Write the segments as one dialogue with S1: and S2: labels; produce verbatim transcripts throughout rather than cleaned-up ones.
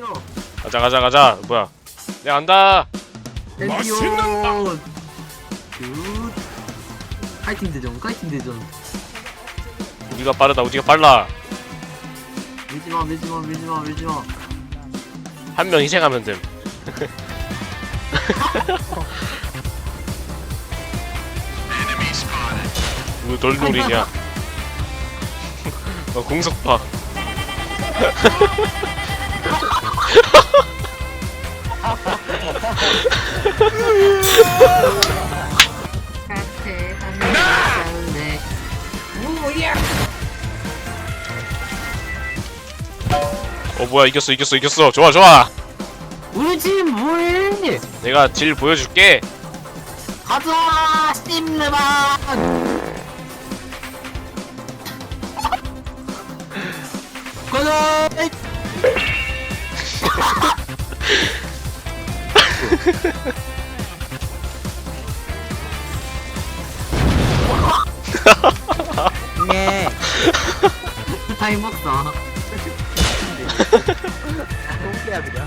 S1: 땡겨.
S2: 가자 가자 가자. 뭐야? 내가 간다.
S1: 땡겨. 굿. 파이팅 대전, 파이팅 대전.
S2: 우리가 빠르다. 우리가 빨라.
S1: 밀지마, 밀지마, 밀지마, 밀지마.
S2: 한 명 희생하면 됨. 왜 널 노리냐? 어, 공속파. 어 뭐야 이겼어 이겼어 이겼어. 좋아 좋아.
S1: 우리 팀 뭐해?
S2: 내가 질 보여줄게.
S1: 가자, 씹내봐. 가자.
S3: 네.
S1: 타임 먹자.
S3: 똥개야 그냥.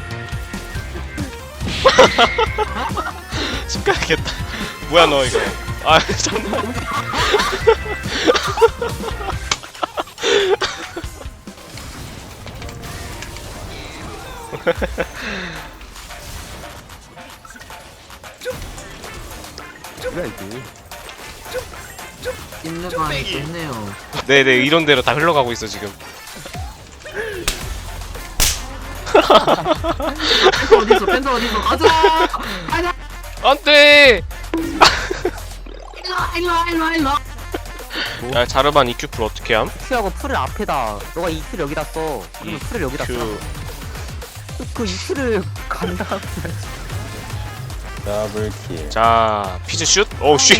S2: 심각하겠다. 뭐야 너 이거. 아 잠깐만.
S3: 뭐야 이게?
S1: 씹내봐 좋네요.
S2: 네네 이런 대로 다 흘러가고 있어 지금.
S1: 펜서 어딨어? 펜서 어딨어? 가자. 가자.
S2: 안돼.
S1: 일로와, 일로와, 일로와, 일로와.
S2: 야 자르반 이큐 풀 어떻게 함?
S3: Q하고 풀을 앞에다. 너가 이 Q를 여기다 써. 그러면 풀을 여기다 써.
S2: 이큐.
S3: 그 이 Q를 간다.
S4: 더블킬.
S2: 자 피즈 슛. 오 슛.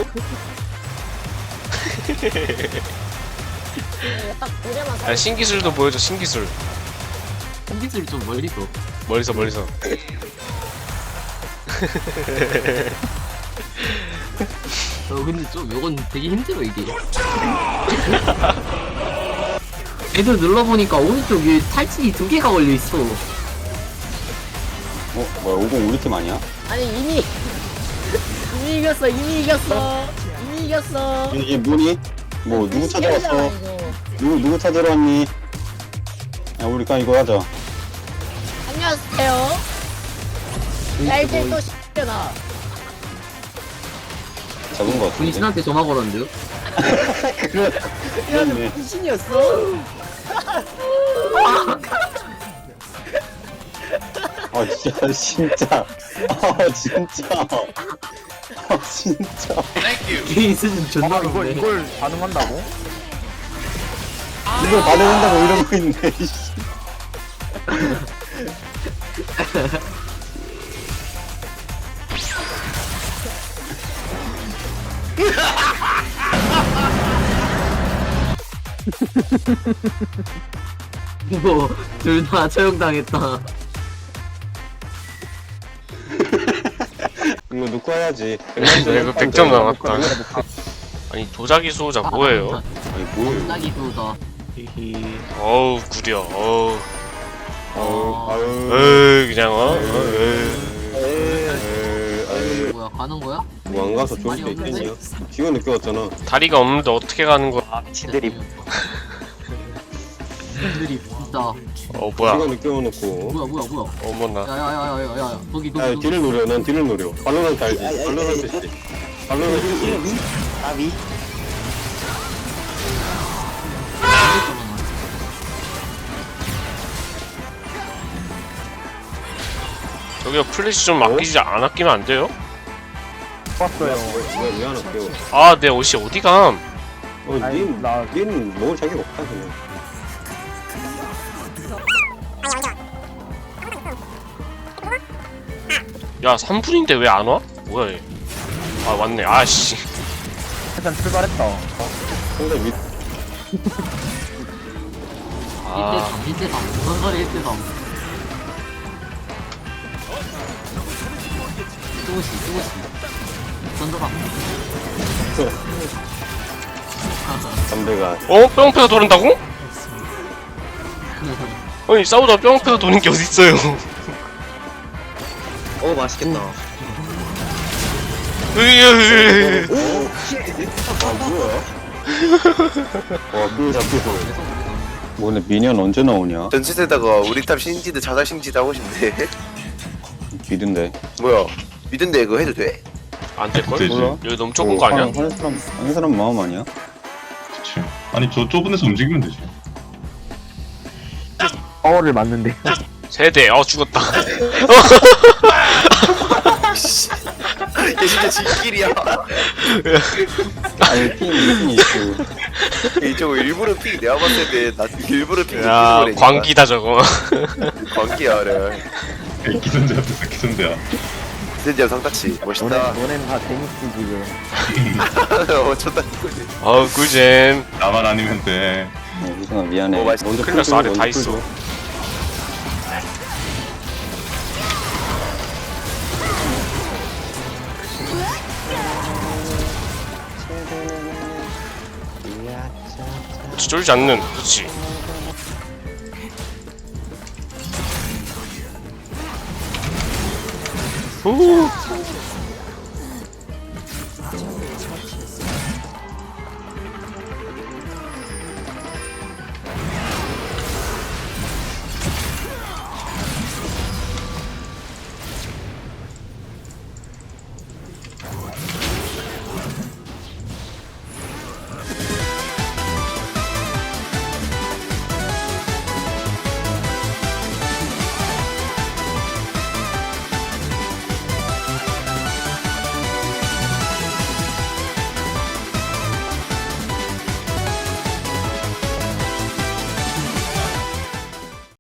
S2: 야 신기술도 보여줘 신기술.
S1: 공기술이 좀 멀리서.
S2: 멀리서 멀리서.
S1: 어 근데 좀 이건 되게 힘들어 이게. 애들 눌러보니까 오른쪽 위에 탈진이 두 개가 걸려 있어.
S4: 어? 뭐야 오공 우리 팀 아니야?
S5: 아니 이미 이미 이겼어 이미 이겼어 이미 이겼어
S4: 이게 뭐니? 뭐 누구 찾아왔어?
S5: 이겼잖아, 이거.
S4: 누구 누구 찾으러 왔니? 야 우리 까 이거 하자.
S5: 안녕하세요 야 이제 또 시켜나
S4: 잡은 거 같은데.
S1: 분신한테 전화 걸었는데요?
S4: 그래. 그렇네.
S5: 귀신이었어
S4: 아 진짜 진짜. 아 진짜. 아 진짜.
S1: 게임 수준 존나
S3: 이걸
S1: 높네.
S3: 이걸 반응한다고?
S4: 이걸 반응한다고 이러고 있네. 이씨.
S1: 뭐, 둘 다 처형당했다.
S4: 이거 놓고 해야지.
S2: 이거 백 점 남았다. 아니 도자기 수호자 뭐예요?
S4: 아니 뭐예요?
S1: 딱이 그거다.
S2: 히히. 어우 구려. 어우.
S4: 아유 아유.
S2: 에이 그냥 어. 에이.
S4: 에이,
S1: 뭐야, 가는 거야?
S4: 뭐 안 가서 좋을 수 있겠냐? 지가 늦게 왔잖아.
S2: 다리가 없는데 어떻게 가는 거야?
S1: 아, 미친들이. 미친들이 진짜.
S2: 어
S4: 지가
S2: 뭐야?
S4: 늦게 와놓고.
S1: 뭐야, 뭐야, 뭐야.
S2: 어머나.
S1: 야야야야야야, 거기
S4: 야
S1: 거기.
S4: 딜을 노려. 난 딜을 노려. 발로란트 알지? 발로란트 씨. 발로란트 씨.
S3: 나비.
S2: 저기요 플래시 좀 아끼지 안 아끼면 안 돼요?
S3: 봤어요.
S4: 왜, 왜 안 할게요?
S2: 아 내 옷이 어디 감?
S4: 어,
S3: 아니,
S4: 닌,
S3: 나-
S4: 닌 먹을 자격 없다, 그냥.
S2: 야 삼 분인데 왜 안 와? 뭐야 얘? 아 왔네. 아씨.
S3: 일단 출발했다.
S4: 상대 밑,
S2: 아
S1: 일대삼, 일대삼. 무슨 소리 일대삼. 쪼시, 쪼시. 던져봐.
S4: 담배가.
S2: 어? 뿅패가 돌린다고? 아니 싸우다 뼈 앞에서 도는 게 어딨어요.
S1: 어 맛있겠다.
S2: 으이으이으이.
S4: 와 그거 잡혀서 뭐 근데 미니언 언제 나오냐?
S6: 전체에다가 우리 탑 신지드 자살 신지드 하고 싶네.
S4: 미든데
S6: 뭐야? 미던데 그거 해도 돼?
S2: 안 될걸?
S7: 되지.
S4: 몰라?
S2: 여기 너무 좁은 거 아니야?
S4: 한 사람 한 사람 마음 아니야?
S7: 그치. 아니 저 좁은 데서 움직이면 되지.
S3: 파워를 맞는데.
S2: 세대. 어 죽었다.
S6: 얘 진짜 지킬이야.
S4: 아니 핑 핑이 있고
S6: 저거 일부러 픽 내가 봤을 때나 일부러 픽
S2: 야 광기다 저거.
S6: 광기야 그래.
S7: 에이, 기선제 앞에서 기선제야.
S6: 진짜 상타치
S3: 너네,
S6: 멋있다.
S3: 너네는 다 재밌지, 지금.
S6: 어 좋다.
S2: 어우 꿀잼.
S7: 나만 아니면 돼.
S4: 어, 희성아 미안해.
S6: 어, 맛있-
S4: 먼저
S2: 큰일 났어.
S4: 풀
S2: 아래
S4: 줘,
S2: 다
S4: 먼저
S2: 있어.
S4: 풀 줘.
S2: 그렇지 쫄지 않는. 그렇지. 오.